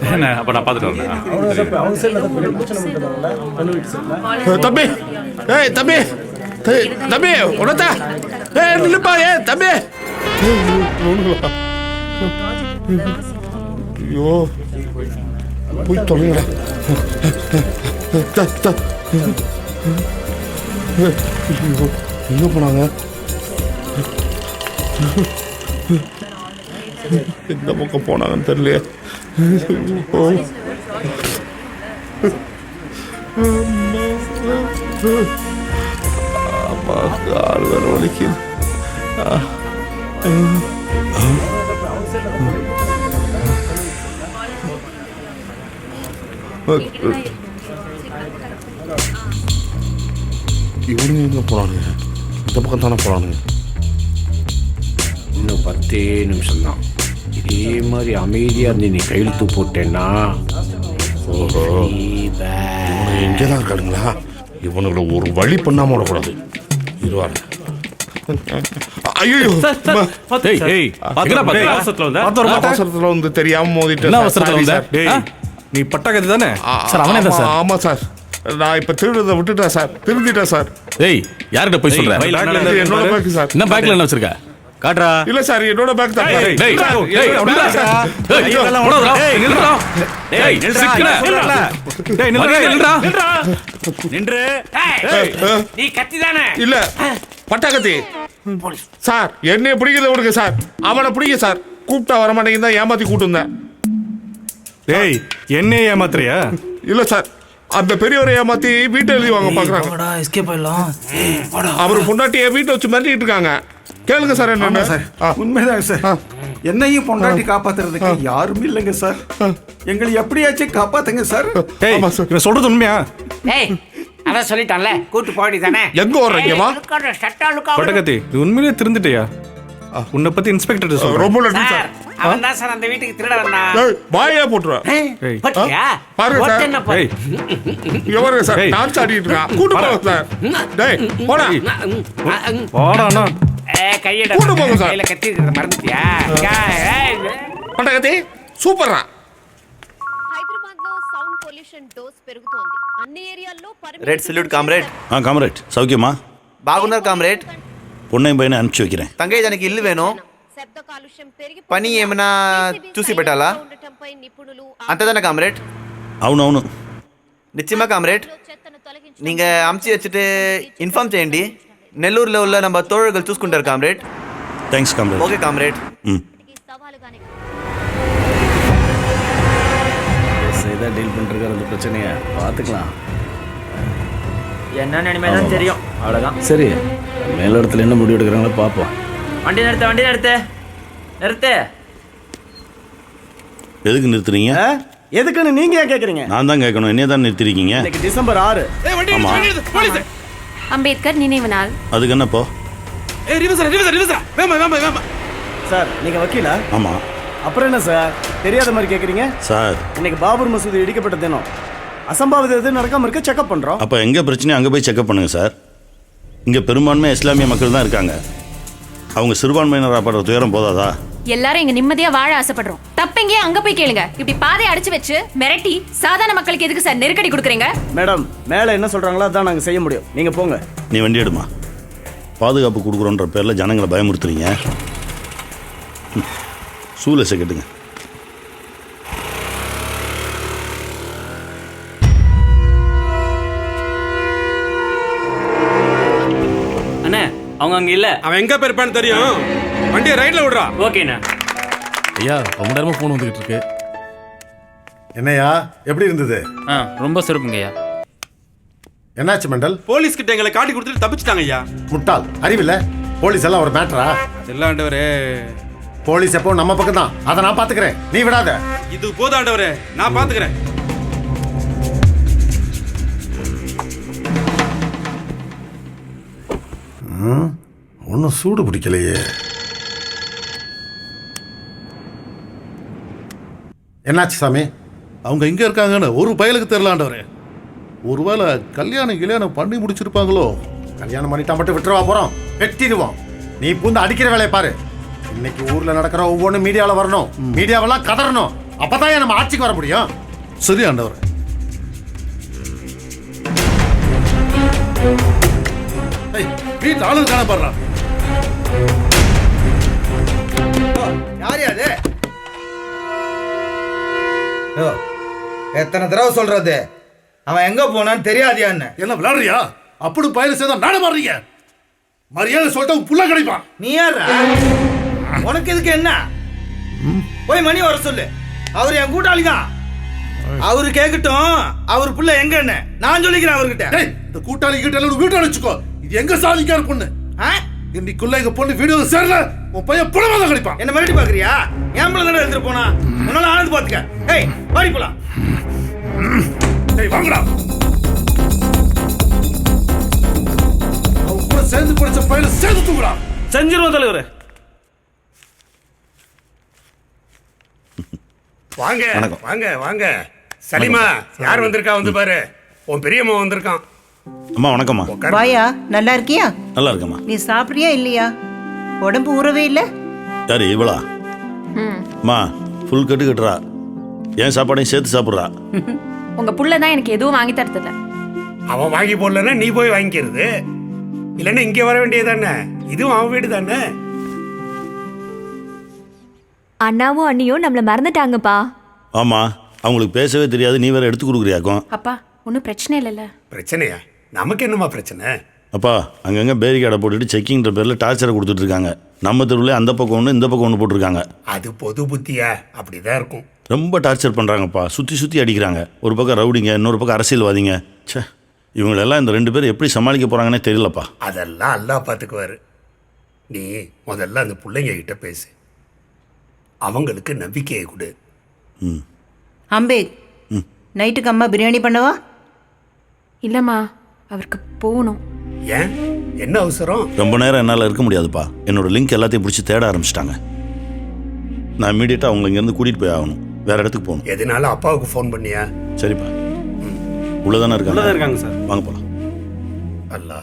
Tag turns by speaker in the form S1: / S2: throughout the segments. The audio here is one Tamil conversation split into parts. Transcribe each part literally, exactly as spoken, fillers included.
S1: என்ன அப்போ நான் பார்த்துட்டு வரேன்.
S2: தம்பி ஏய் தம்பி ஏய், தம்பி உனத்தா ஏய் நில்லுப்பா ஏ தம்பி. ஐயோ போய் தொலைங்கடா. எங்க போனாங்க? எந்த பக்கம் போனாங்கன்னு தெரியலையே. அம்மா கால் வேற வலிக்குது. இவனுங்க எங்க போறானுங்க? இந்த பக்கம் தானே போறானுங்க.
S3: இன்னும் பத்தே நிமிஷம் தான். இதே மாதிரி அமைதியாக இருந்து நீ கையெழுத்து போட்டேன்னா
S2: எங்கேதான் இருக்கானுங்களா? இவனுங்களை ஒரு வழி பண்ணாம விடக்கூடாது. இருவாரு. ஐயோ அவசரத்துல வந்து தெரியாம மோதிட்டேன்.
S1: நீ பட்டாக்கத்து தானே?
S2: ஆமா சார், நான் இப்ப திருடுறத விட்டுட்டேன் சார். திருந்திட்டேன் சார்.
S1: ஏய் யார்கிட்ட போய் சொல்ற?
S2: என்னோட பேக் சார்.
S1: என்ன பேக்ல என்ன வச்சிருக்க? காட்றா.
S2: இல்ல சார், என்னோட பேக் தான்.
S1: டேய் டேய் டேய் நில்றா. டேய் நில்றா. டேய் நில்றா.
S3: நின்று. நீ கத்தி தானே?
S2: இல்ல பட்டாக்கத்தி சார். என்னைய பிடிக்கிறத விடுங்க சார். அவனை பிடிக்க சார். கூப்பிட்டா வர மாட்டேங்குது தான் ஏமாத்தி கூட்டு வந்தேன்.
S1: டேய் என்னைய ஏமாத்துறியா?
S2: இல்ல சார், அந்த பெரியவரை ஏமாத்தி வீட்டை எழுதி வாங்க பாக்குறாங்க. அவரு பொண்டாட்டிய வீட்டை வச்சு மிரட்டிட்டு இருக்காங்க. கேளுங்க சார். என்ன
S4: சார்? உண்மைதான் சார். என்னையும் பொண்டாட்டி காப்பாத்துறதுக்கு யாரும் இல்லைங்க சார். எங்களை எப்படியாச்சும் காப்பாத்துங்க சார்.
S1: இவன் சொல்றது உண்மையா?
S3: ஏய் அதான் சொல்லிட்டான்ல, கூட்டு போடி தானே.
S2: எங்க வர்றீங்கம்மா?
S1: பட்டகத்தி நீ உண்மையிலே திருந்துட்டியா? உன்னை பத்தி இன்ஸ்பெக்டர் சொல்ற.
S2: ரொம்ப நன்றி
S3: சார்.
S2: சார்.
S3: அவன் தான் சார் அந்த வீட்டுக்கு திருட வந்தான்.
S2: ஏய் வாயே போட்டுறா.
S1: ஏய்
S3: பட்டியா?
S2: பாருங்க சார்.
S3: என்ன பாரு.
S1: ஏய்
S2: எவருங்க சார்? நான் சாடிட்டு இருக்கேன். கூட்டு போங்க சார். டேய் போடா.
S1: போடானா.
S3: ஏய் கையட.
S2: கூட்டு போங்க சார்.
S3: கையில கத்தி இருக்கறத மறந்துட்டியா?
S2: பட்டகத்தி சூப்பர்ரா.
S5: హైదరాబాద్ లో సౌండ్ పొల్యూషన్ డోస్ పెరుగుతోంది. అన్ని ఏరియాల్లో
S6: రెడ్ సల్యూట్ కామ్రేడ్.
S7: ఆ కామ్రేడ్ సౌఖ్యమా?
S6: బాగున్నారు కామ్రేడ్.
S7: పొన్నయ్య పైన అనుచి வைக்கிறேன்.
S6: తంగయ్య దానికి ఇల్లు వేను.
S5: శబ్ద కాలుష్యం పెరిగి
S6: పని ఏమైనా చూసి పెట్టాలా? అంతేదానా కామ్రేడ్?
S7: అవునవును.
S6: நிச்சயமா காம்ரேட். நீங்க அமுச்சு வச்சுட்டு இன்ஃபார்ம் చేయండి. నెల్లూరులో உள்ள நம்ம தோழர்கள் చూసుకుంటారు comrade.
S7: Thanks comrade.
S6: Okay comrade.
S7: ம்
S3: சேதா டீல் பண்றதுக்கு அந்த பிரச்சனையை பார்த்துக்கலாம்.
S8: என்ன நினைமே தான் தெரியும். அவ்வளோதான்.
S3: சரி, மேல இடத்துல என்ன முடிவு எடுக்கிறாங்களோ பார்ப்போம்.
S8: வண்டி நிறுத்த வண்டி நிறுத்து நிறுத்து.
S7: எதுக்கு நிறுத்துறீங்க?
S4: எதுக்குன்னு நீங்க ஏன் கேக்குறீங்க?
S7: நான் தான் கேட்கணும். என்னைய தான் நிறுத்திருக்கீங்க.
S4: இன்னைக்கு டிசம்பர் ஆறு.
S7: ஆமா.
S5: అంబేద్కర్ నిனைவு நாள்.
S7: அதுக்கு என்னப்போ?
S4: சார் நீங்க வக்கீலா?
S7: ஆமா.
S4: அப்புறம் என்ன சார் தெரியாத மாதிரி கேக்குறீங்க?
S7: சார்
S4: இன்னைக்கு பாபர் மசூதி இடிக்கப்பட்ட தினம். அசம்பாவிதம் எதுவும் நடக்காம இருக்க செக்அப் பண்றோம்.
S7: அப்போ எங்கே பிரச்சனையோ அங்கே போய் செக்அப் பண்ணுங்க சார். இங்கே பெரும்பான்மை இஸ்லாமிய மக்கள் தான் இருக்காங்க. அவங்க சிறுபான்மையினராக படுற துயரம் போதாதா?
S5: எல்லாரும் இங்க நிம்மதியா வாழ ஆசைப்படுறோம். தப்பெங்க அங்க போய் கேளுங்க. இப்படி பாதையை அடிச்சு வச்சு மிரட்டி சாதாரண மக்களுக்கு எதுக்கு சார் நெருக்கடி கொடுக்குறீங்க?
S4: மேடம் மேல என்ன சொல்றாங்களோ அதான் நாங்க செய்ய முடியும். நீங்க போங்க.
S7: நீ வண்டி எடுமா. பாதுகாப்பு கொடுக்குறோன்ற பேரில் ஜனங்களை பயமுறுத்துறீங்க. சூலசை கட்டுங்க.
S8: அண்ணே அவங்க அங்க இல்ல.
S9: அவன் எங்க போயிருப்பான்னு தெரியும். வண்டியை ரைட்ல விடுறா.
S8: ஓகேண்ணா.
S1: ஐயா ரொம்ப நேரமா போன் வந்துகிட்டு இருக்கு.
S10: என்னையா எப்படி இருந்தது?
S8: ஆ ரொம்ப சிறப்புங்கய்யா.
S10: என்னாச்சு மண்டல்?
S9: போலீஸ் கிட்ட எங்களை காட்டி கொடுத்துட்டு தப்பிச்சிட்டாங்க ஐயா.
S10: முட்டாள் அறிவில்ல. போலீஸ் எல்லாம் ஒரு மேட்டரா?
S9: அதெல்லாம் ஆண்டவரே.
S10: போலீஸ் எப்போ நம்ம பக்கம் தான். அதை நான் பாத்துக்கிறேன், நீ விடாத.
S9: இது போதும் ஆண்டவரே, நான் பாத்துக்கிறேன்.
S10: ஒன்னும் சூடு பிடிக்கலையே. என்னாச்சு சாமி?
S11: அவங்க எங்க இருக்காங்கன்னு ஒரு பயலுக்கு தெரியலாண்டவரே. ஒருவேளை கல்யாணம் கல்யாணம் பண்ணி முடிச்சிருப்பாங்களோ?
S10: கல்யாணம் பண்ணிட்டா மட்டும் விட்டுருவா போறோம், வெட்டிடுவோம். நீ பூந்து அடிக்கிற வேலையை பாரு. இன்னைக்கு ஊர்ல நடக்கிற ஒவ்வொன்றும் மீடியாவில் வரணும். மீடியாவெல்லாம் கதறணும். அப்பதான் நம்ம ஆட்சிக்கு வர முடியும்.
S11: சரி ஆண்டவரே. ஏய், வீட்டு ஆளு காண பாடுறான்.
S6: யாரு அது? எத்தனை தடவை சொல்றது அவன் எங்க போனான்னு தெரியாதியா?
S11: என்ன விளையாடுறியா? அப்படி பயில சேர்ந்தா நாட மாறீங்க. மரியாதை சொல்லிட்டு புள்ள கிடைப்பான்.
S6: நீ யாரா? உனக்கு இதுக்கு என்ன? போய் மணி வர சொல்லு. அவரு என் கூட்டாளி தான். அவரு கேட்கட்டும் அவர் புள்ள எங்கன்னு நான் சொல்லிக்கிறேன் அவர்கிட்ட.
S11: இந்த கூட்டாளி கிட்ட எல்லாம் வீட்டு அழைச்சுக்கோ. இது எங்க சாதிக்கார பொண்ணு? இன்னைக்குள்ள எங்க பொண்ணு வீடியோ சேரல உன் பையன் புலமா தான் கிடைப்பான்.
S6: என்ன மிரட்டி பாக்குறியா? என் பிள்ளை தானே எடுத்துட்டு போனா. உன்னால ஆனது பாத்துக்க. ஏய் வாடி போலாம்.
S11: ஏய் வாங்கடா. அவங்க கூட சேர்ந்து படிச்ச பையனை சேர்ந்து தூக்குடா.
S9: செஞ்சிருவோம் தலைவரே.
S2: வாங்க வாங்க வாங்க. சலிமா யார் வந்திருக்கா வந்து பாரு. உன் பெரியம்மா வந்திருக்கான்.
S7: அம்மா வணக்கம்மா.
S12: வாயா, நல்லா இருக்கியா?
S7: நல்லா இருக்கம்மா.
S12: நீ சாப்பிட்றியா இல்லையா? உடம்பு ஊறவே இல்லை.
S7: யாரு இவளா? அம்மா ஃபுல் கட்டு கட்டுறா. ஏன் சாப்பாடையும் சேர்த்து சாப்பிட்றா.
S5: உங்க புள்ள தான் எனக்கு எதுவும் வாங்கி தரதில்ல.
S2: அவன் வாங்கி போடலன்னா நீ போய் வாங்கிக்கிறது. இல்லைன்னா இங்கே வர வேண்டியதானே. இதுவும் அவன் வீடு தானே.
S5: அண்ணாவும் அண்ணியும் நம்மள மறந்துட்டாங்கப்பா.
S7: ஆமா அவங்களுக்கு பேசவே தெரியாது. நீ வேற எடுத்து கொடுக்குறியாக்கும்.
S5: அப்பா ஒன்றும் பிரச்சனை இல்லைல்ல.
S2: பிரச்சனையா? நமக்கு என்னமா பிரச்சனை?
S7: அப்பா அங்கங்கே பேரிகார்டை போட்டுட்டு செக்கிங்கிற பேரில் டார்ச்சரை கொடுத்துட்டு இருக்காங்க. நம்ம தெருவில் அந்த பக்கம் ஒன்று இந்த பக்கம் ஒன்று போட்டிருக்காங்க.
S2: அது பொது புத்தியா? அப்படிதான் இருக்கும்.
S7: ரொம்ப டார்ச்சர் பண்ணுறாங்கப்பா. சுற்றி சுற்றி அடிக்கிறாங்க. ஒரு பக்கம் ரவுடிங்க, இன்னொரு பக்கம் அரசியல்வாதிங்க. சே இவங்களெல்லாம் இந்த ரெண்டு பேரும் எப்படி சமாளிக்க போகிறாங்கன்னே தெரியலப்பா.
S2: அதெல்லாம் அல்லா பார்த்துக்குவாரு. நீ முதல்ல அந்த பிள்ளைங்க கிட்ட பேசு. அவங்களுக்கு நம்பிக்கையை கொடு.
S7: ம்
S12: அம்பேத், நைட்டுக்கு அம்மா பிரியாணி பண்ணவா?
S5: இல்லைம்மா அவருக்கு போகணும்.
S2: ஏன் என்ன அவசரம்?
S7: ரொம்ப நேரம் என்னால் இருக்க முடியாதுப்பா. என்னோட லிங்க் எல்லாத்தையும் பிடிச்சி தேட ஆரம்பிச்சிட்டாங்க. நான் இமீடியட்டாக அவங்களை இங்கேருந்து கூட்டிகிட்டு போய் ஆகணும். வேற இடத்துக்கு போகணும்.
S2: எதனால அப்பாவுக்கு ஃபோன் பண்ணியா?
S7: சரிப்பா. உள்ளதானே இருக்காங்க?
S9: உள்ளதான் இருக்காங்க சார்.
S7: வாங்க போகலாம்.
S2: அல்லா.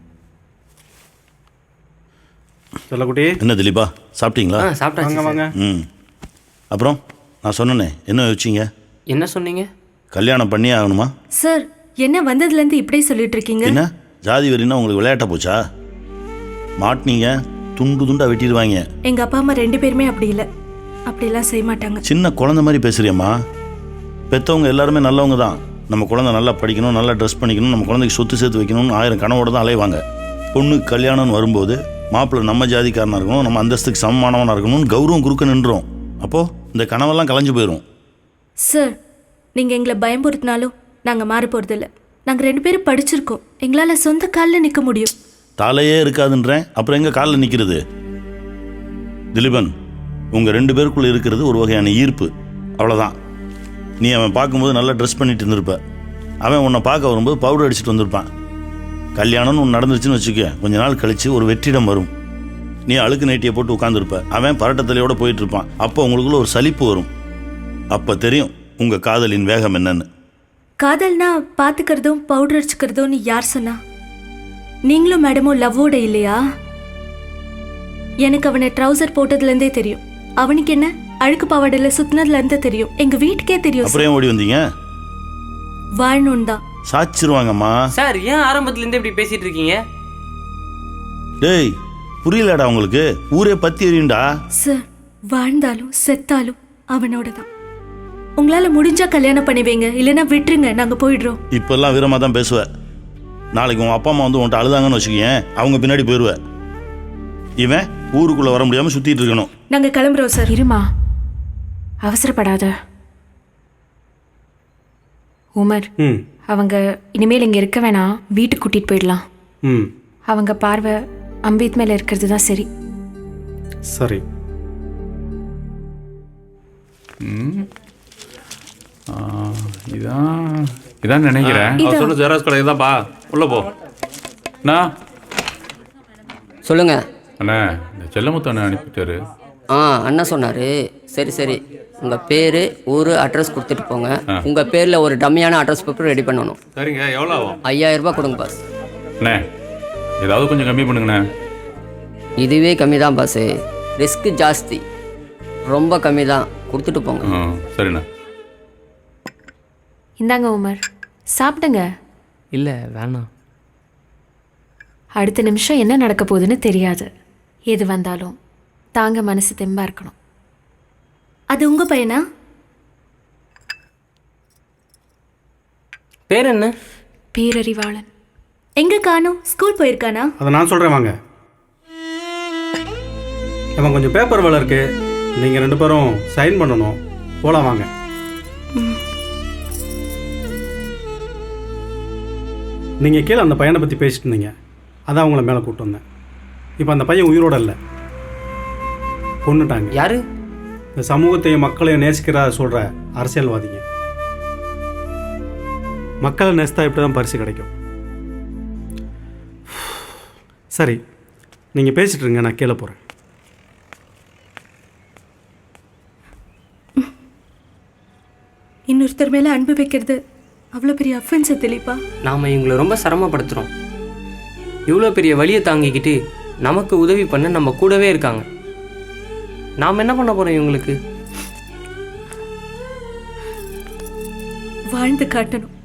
S9: சொல்லக்குட்டி
S7: என்ன திலீபா சாப்பிட்டீங்களா?
S8: சாப்பிட்டாங்க வாங்க.
S7: ம் அப்புறம் நான் சொன்னேனே என்ன யோசிச்சிங்க?
S8: என்ன சொன்னீங்க?
S7: கல்யாணம் பண்ணியே ஆகணுமா?
S5: சார் என்ன வந்ததுலேருந்து இப்படியே சொல்லிட்டு இருக்கீங்க?
S7: என்ன ஜாதி வெறினா உங்களுக்கு விளையாட்ட போச்சா? மாட்டினீங்க துண்டு துண்டா வெட்டிடுவாங்க.
S5: எங்க அப்பா அம்மா ரெண்டு பேருமே அப்படி இல்லை. அப்படிலாம் செய்ய மாட்டாங்க.
S7: சின்ன குழந்தை மாதிரி பேசுறியம்மா. பெற்றவங்க எல்லாருமே நல்லவங்க தான். நம்ம குழந்தை நல்லா படிக்கணும், நல்லா ட்ரெஸ் பண்ணிக்கணும், நம்ம குழந்தைக்கு சொத்து சேர்த்து வைக்கணும்னு ஆயிரம் கனவோட தான் அலைவாங்க. பொண்ணு கல்யாணம்னு வரும்போது மாப்பிள்ளை நம்ம ஜாதிக்காரனாக இருக்கணும், நம்ம அந்தஸ்துக்கு சமமானவனாக இருக்கணும்னு கௌரவம் குறுக்க நின்றோம். அப்போது இந்த கனவெல்லாம் கலைஞ்சு போயிடும்.
S5: சார் நீங்கள் எங்களை பயம்புறுத்தினாலும் நாங்கள் மாற போகிறதில்ல. நாங்கள் ரெண்டு பேரும் படிச்சிருக்கோம். எங்களால் சொந்த காலில் நிற்க முடியும்.
S7: தலையே இருக்காதுன்றேன், அப்புறம் எங்கே காலில் நிற்கிறது? திலீபன், உங்கள் ரெண்டு பேருக்குள்ளே இருக்கிறது ஒரு வகையான ஈர்ப்பு, அவ்வளோதான். நீ அவன் பார்க்கும்போது நல்லா ட்ரெஸ் பண்ணிட்டு இருந்திருப்ப. அவன் உன்னை பார்க்க வரும்போது பவுடர் அடிச்சுட்டு வந்திருப்பான். கல்யாணம்னு ஒன்று நடந்துருச்சுன்னு வச்சுக்க, கொஞ்ச நாள் கழித்து ஒரு வெற்றிடம் வரும். நீ அழுக்கு நைட்டியை போட்டு உட்காந்துருப்ப, அவன் பரட்டத்தலையோடு போயிட்டு இருப்பான். அப்போ உங்களுக்குள்ள ஒரு சலிப்பு வரும். அப்போ தெரியும் உங்கள் காதலின் வேகம் என்னன்னு.
S5: காதல்னா பார்த்துக்கிறதும் பவுடர் அடிச்சுக்கிறதும்னு யார் சொன்னா? நீங்களும் மேடமும் லவ்வோட இல்லையா? எனக்கு அவனை ட்ரௌசர் போட்டதுலேருந்தே தெரியும். அவனுக்கு என்ன அழுக்கு பாவாடையில் சுத்தினதுலேருந்தே தெரியும். எங்கள் வீட்டுக்கே தெரியும்.
S7: அப்புறம் ஓடி வந்தீங்க?
S5: வாழணும் தான்.
S7: சாச்சிருவாங்கம்மா.
S8: சார் ஏன் ஆரம்பத்துலேருந்து இப்படி பேசிட்டு இருக்கீங்க?
S7: டேய் புரியலடா உங்களுக்கு? ஊரே பத்தி எறியுண்டா.
S5: சார் வாழ்ந்தாலும் செத்தாலும் அவனோட தான். உங்களால் முடிஞ்சா கல்யாணம் பண்ணிவீங்க, இல்லைன்னா விட்டுருங்க, நாங்கள் போயிடுறோம்.
S7: இப்பெல்லாம் வீரமாக தான் பேசுவேன். நாளைக்கு உன் அப்பா அம்மா வந்து உன்ட்ட அழுதாங்கன்னு வச்சுக்கேன், அவங்க பின்னாடி போயிடுவேன். இவன் ஊருக்குள்ளே வர முடியாமல் சுற்றிட்டு இருக்கணும்.
S5: நாங்கள் கிளம்புறோம் சார். இருமா, அவசரப்படாத. உமர்,
S9: ம்
S5: அவங்க இனிமேல் இங்கே இருக்க வேணாம், வீட்டுக்கு கூட்டிகிட்டு போயிடலாம்.
S9: ம்
S5: அவங்க பார்வை அம்பேத் மேலே இருக்கிறது தான் சரி.
S1: சரி.
S13: இதான் இதான் நினைக்கிறேன். அவர் சொன்ன ஜெராக்ஸ் கடை இதான்ப்பா. உள்ளே போ. அண்ணா
S8: சொல்லுங்க
S13: அண்ணா, இந்த செல்லமுத்து அண்ணா அனுப்பிட்டாரு.
S8: ஆ அண்ணா சொன்னார். சரி சரி, உங்கள் பேர் ஊர் அட்ரஸ் கொடுத்துட்டு போங்க. உங்கள் பேரில் ஒரு டம்மியான அட்ரஸ் பேப்பர் ரெடி பண்ணணும்.
S13: சரிங்க, எவ்வளோ ஆகும்?
S8: ஐயாயிரம் ரூபாய் கொடுங்க பாஸ்.
S13: அண்ணே ஏதாவது கொஞ்சம் கம்மி பண்ணுங்கண்ணே.
S8: இதுவே கம்மி தான் பாஸு, ரிஸ்க்கு ஜாஸ்தி, ரொம்ப கம்மி தான். கொடுத்துட்டு போங்க.
S13: ஆ சரிண்ணா.
S5: இந்தாங்க உமர், சாப்பிடுங்க.
S14: இல்லை வேணாம்.
S5: அடுத்த நிமிஷம் என்ன நடக்க போகுதுன்னு தெரியாது. எது வந்தாலும் தாங்க மனசு தெம்பா இருக்கணும். அது உங்க பையனா?
S14: பேர் என்ன?
S5: பேரறிவாளன். எங்க காணோம்? ஸ்கூல் போயிருக்கானா?
S9: அதை நான் சொல்கிறேன் வாங்க. நம்ம கொஞ்சம் பேப்பர் வேலை இருக்கு, நீங்கள் ரெண்டு பேரும் சைன் பண்ணணும். போகலாம் வாங்க. நீங்கள் கீழே அந்த பையனை பற்றி பேசிட்டு இருந்தீங்க, அதான் அவங்கள மேலே கூப்பிட்டு வந்தேன். இப்போ அந்த பையன் உயிரோட இல்லை, கொன்னுட்டாங்க.
S14: யாரு?
S9: இந்த சமூகத்தையும் மக்களையும் நேசிக்கிறா சொல்கிற அரசியல்வாதிங்க. மக்களை நேசித்தா இப்படி தான் பரிசு கிடைக்கும். சரி, நீங்கள் பேசிட்டு இருங்க, நான் கீழே போகிறேன்.
S5: இன்னொருத்தர் மேலே அன்பு வைக்கிறது அவ்வளோ பெரிய அஃபென்ஸை தெளிப்பா.
S14: நாம் இவங்களை ரொம்ப சிரமப்படுத்துகிறோம். இவ்வளோ பெரிய வழியை தாங்கிக்கிட்டு நமக்கு உதவி பண்ண நம்ம கூடவே இருக்காங்க. நாம் என்ன பண்ண போகிறோம் இவங்களுக்கு?
S5: வாழ்ந்து காட்டணும்.